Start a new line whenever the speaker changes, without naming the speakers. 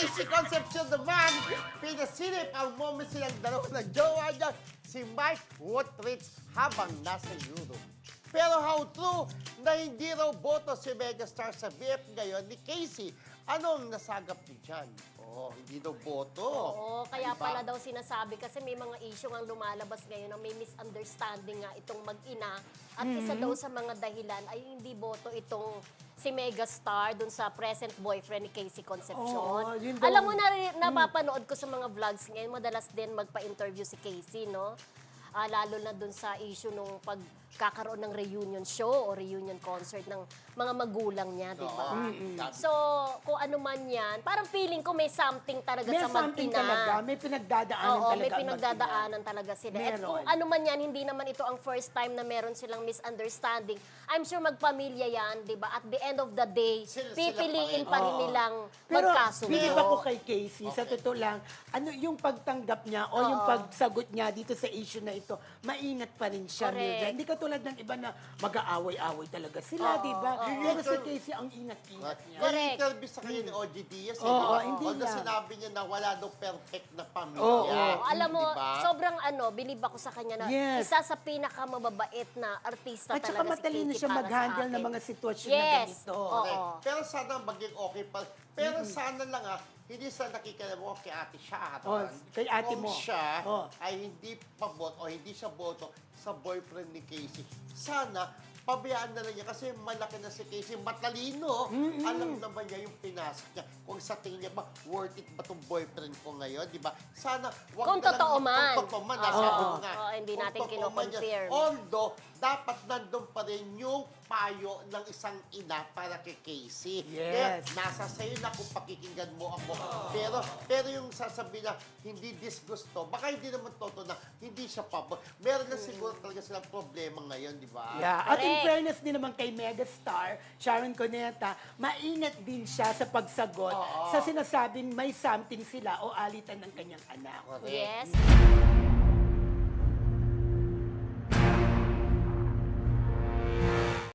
Casey Concepcion naman, pinasilip ang moment silang dalawa ng jowa niya, si Mike Woodridge habang nasa Europe. Pero how true na hindi raw boto si megastar sa BF ngayon ni Casey? Anong nasagap niyo dyan? Hindi daw boto.
Oo, kaya
Diba?
pala daw sinasabi kasi may mga issue ang lumalabas ngayon na may misunderstanding nga itong mag-ina. At isa daw sa mga dahilan ay hindi boto itong si megastar dun sa present boyfriend ni Casey Concepcion.
Oo, yun daw.
Alam mo, napapanood ko sa mga vlogs ngayon, madalas din magpa-interview si Casey, no? Lalo na dun sa issue nung pagkakaroon ng reunion show o reunion concert ng mga magulang niya, di ba? So, kung ano man yan, parang feeling ko may something talaga
May
sa
something
mag-ina.
talaga, may pinagdadaanan
Oo,
talaga.
may
ang
pinagdadaanan talaga sila. At
Meron.
kung ano man yan, hindi naman ito ang first time na meron silang misunderstanding. I'm sure magpamilya yan, di ba? At the end of the day,
Sila
pipiliin
pa
pa
rin.
rin nilang
Pero
magkasundo.
bilib ako kay Casey, sa totoo lang, ano yung pagtanggap niya o yung pagsagot niya dito sa issue na ito, maingat pa rin siya,
Correct.
Mildred. Hindi katulad ng iba na mag-aaway-aaway talaga sila, di ba? Pero si Casey, ang ingat-ingat niya.
May interview sa kanya ni OG Diaz.
Oo, hindi
Although
yan.
sinabi niya na wala daw perfect na pamilya.
Oo,
Alam mo,
Diba?
sobrang bilib ako sa kanya na
Yes.
isa sa pinakamababait na artista
At saka
talaga
matalino
si Casey
siya
para sa
mag-handle ng
akin.
mga sitwasyon na
Yes.
ganito.
Oo.
Correct. Pero sana maging okay pa. Pero sana lang hindi sa nakikinig mo kay ate Sharon.
Kay ate mo.
Kung siya
Oh.
ay hindi pabot o hindi siya boto sa boyfriend ni Casey, sana pabayaan na lang niya kasi malaki na si Casey, matalino. Alam naman niya yung pinasok niya. Kung sa tingin niya ba, worth it ba itong boyfriend ko ngayon, di ba? Sana, wag
Kung
na lang-
totoo man.
Kung totoo man,
Oo.
sabi mo nga.
Oo, hindi
Kung
natin
totoo man yan.
kino-confirm.
Although, dapat nandun pa rin yung payo ng isang ina para kay Casey. Kaya
Yes.
nasa sa'yo na kung pakikinggan mo ako. Pero yung sasabihin na hindi disgusto, baka hindi naman totoo na hindi siya pabor. Meron na siguro talaga silang problema ngayon, di ba?
Yeah. At in
Correct.
fairness din naman kay megastar, Sharon Cuneta, maingat din siya sa pagsagot sa sinasabing may something sila o alitan ng kanyang anak.
Correct.
Yes.